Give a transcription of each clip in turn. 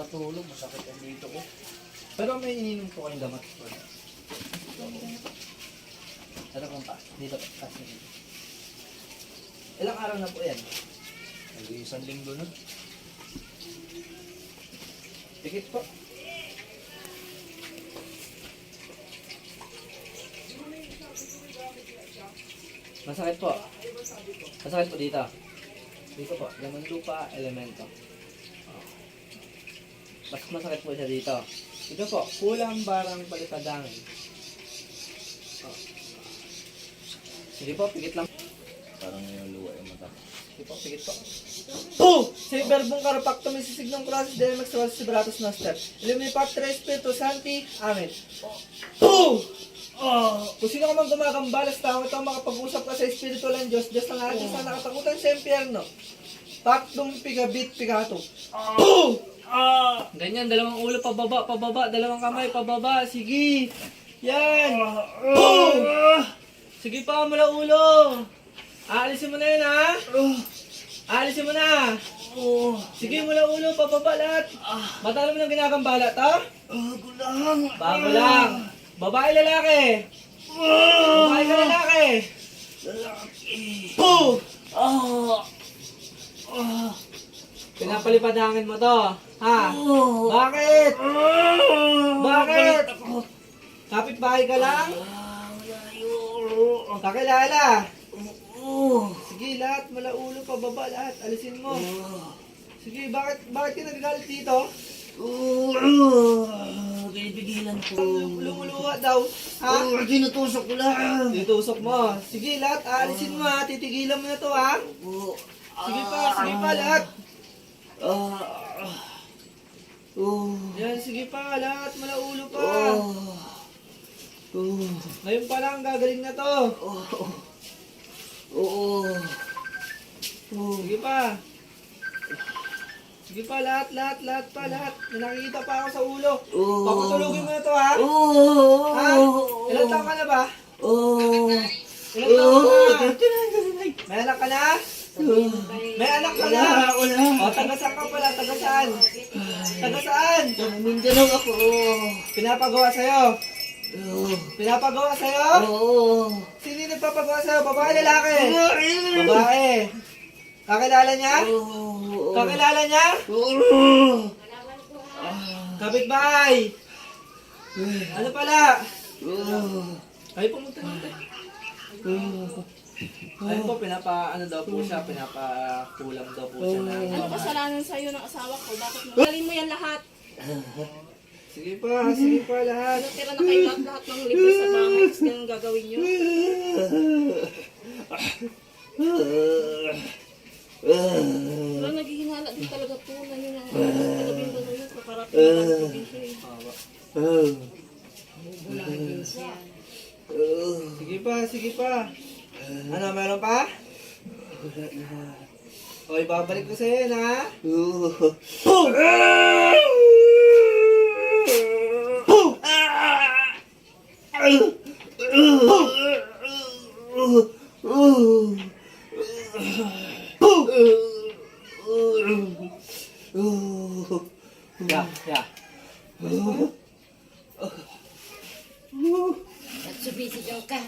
matulog, masakit ang dito ko. Pero may ininom po kayong gamot. Ano pong pa? Dito po, kasi dito. Ilang araw na po yan? Isang linggo na. Tikit po. Masakit po. Masakit po dito. Dito po, laman lupa, elemento. Oh. Mas masakit po siya dito. Ito po, kulang barang palipadangin. Oh. Sige po, pigit lang. Parang yung luwa yung mata. Sige po, pigit po. Oh! Sa verbong karopakto, may sisignong crosses, delimax, rosas, vibratos, noster. Ilumini Patre, Espiritu Santi. Amen. Oh! Oh, kung sino ka man gumagambalas tao, ito makapag-usap ka sa espiritual ng Diyos, Diyos ng ating sa nakatakutan sa impyerno. Takdong pigabit, pigato. Ganyan, dalawang ulo, pababa, pababa, dalawang kamay, pababa, sige. Yan. Sige pa, mula ulo. Aalisin mo na yan, ha? Aalisin mo na. Sige, mula ulo, pababa lahat. Matalo mo ng ginagambala, ta? Bago lang. Babae, lalaki. Babae ka, lalaki. Pinapalipadangin mo to. Ha? Bakit? Bakit? Kapit-bahay ka lang? Kakilala. Sige, lahat. Mula ulo, pababa, lahat. Alisin mo. Sige, bakit ka nagagalit dito? Kaibigilan ko. Lumuluwa daw. Ha? Tinutusok ko lang. Titusok mo. Sige, lahat. Aalisin mo, ha? Titigilan mo na to, ha? Sige pa, lahat. Yan, sige pa, lahat. Mula ulo pa. Ngayon pa lang, gagaling na to. Sige pa. Sige pa, lahat. May nakikita pa ako sa ulo. Papatulugin mo na to, ha? Ha? Ilang taon ka na ba? Ilang taon ka na? May anak ka na? May anak ka na? O, taga-saan ka pala? Taga-saan? Taga-saan? Mindanao ako. Pinapagawa sa'yo? Pinapagawa sa'yo? Sino yung nagpapagawa sa'yo? Babae, lalaki? Babae. Kakilala niya? Kakilala niya? Kapitbahay. Ano pala? Ay, pumunta natin. Ayun po, ano daw po siya, pinapakulam daw po siya na. Ano kasalanan sa'yo ng asawa ko? Bakit mo? Galing mo yan lahat. Sige pa lahat. Natira na kayo lahat ng libre sa bahay. Tapos ganun gagawin nyo. Wala naghihinala din talaga po na yun ang kalabing ba yun kaparating ng probinsya eh. Sige pa. Ano, meron pa? O, ibabalik ko sa'yo yan, ha? Yeah. Nagsubisigaw ka.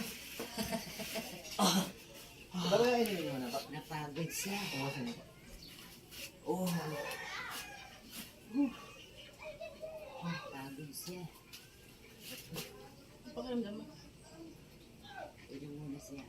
Bago yung ininom mo na ba? Napagod siya. Napagod siya. Pakiramdam mo. Inom muna siya.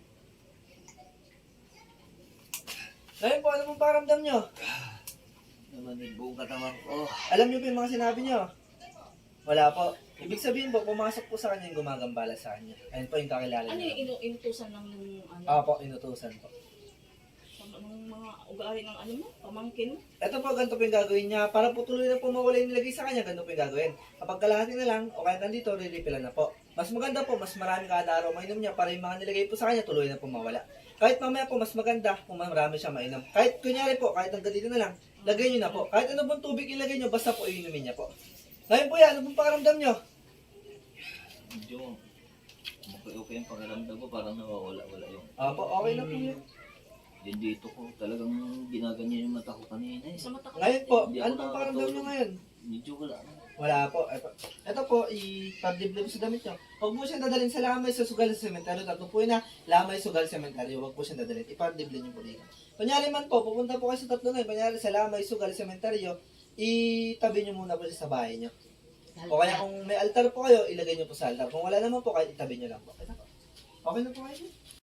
Ngayon po, ano pong pakiramdam nyo? Namanig buong katawan ko. Alam nyo po yung mga sinabi nyo? Wala po. Ibig sabihin po, pumasok po sa kanya yung gumagambala sa kanya. Ayun po yung kakilala Ano niyo. yung inutusan ng ano? Po, inutusan po. Ng mga ugali ng ano mo? Pamangkin mo? Ito po, ganito po yung gagawin niya. Para po tuloy na po mawala yung nilagay sa kanya, ganito po yung gagawin. Kapag kalahati na lang, o kaya nandito, re-refillan na po. Mas maganda po, mas marami kada araw mainom niya para yung mga nilagay po sa kanya, tuloy na po mawala. Kahit mamaya po, mas maganda kung marami siya mainom. Kahit kunyari po, kahit hanggang dito na lang, lagay niyo na po. Kahit ano pong tubig ilagay niyo, basta po inumin niya po. Ngayon po yan, ano pong pakiramdam niyo? Medyo okay yung pakiramdam ko, parang nawawala-wala yung. Opo, okay na po yun. Yung dito ko talagang ginaganyan yung mata ko kanina eh. Sa mata ko. Ngayon po, Hindi ano ako pong pakiramdam nyo nakakatulog. ngayon? Medyo wala. Wala po. Ito po, i-pag-dibdib sa damit nyo. Huwag po siyang dadalhin sa lamay sa sugal sa sementeryo. Tatlo po yun na, lamay, sugal, sementeryo. Huwag po siyang dadalhin. I-pag-dibdib nyo po dito. Kunyari man po, pupunta po kayo sa tatlo na yun. Kunyari sa lamay, sugal, sementeryo, itabi nyo muna po siya sa bahay nyo. O kaya kung may altar po kayo, ilagay nyo po sa altar. Kung wala naman po, kahit itabi nyo lang po. Ito po. Okay na po kayo.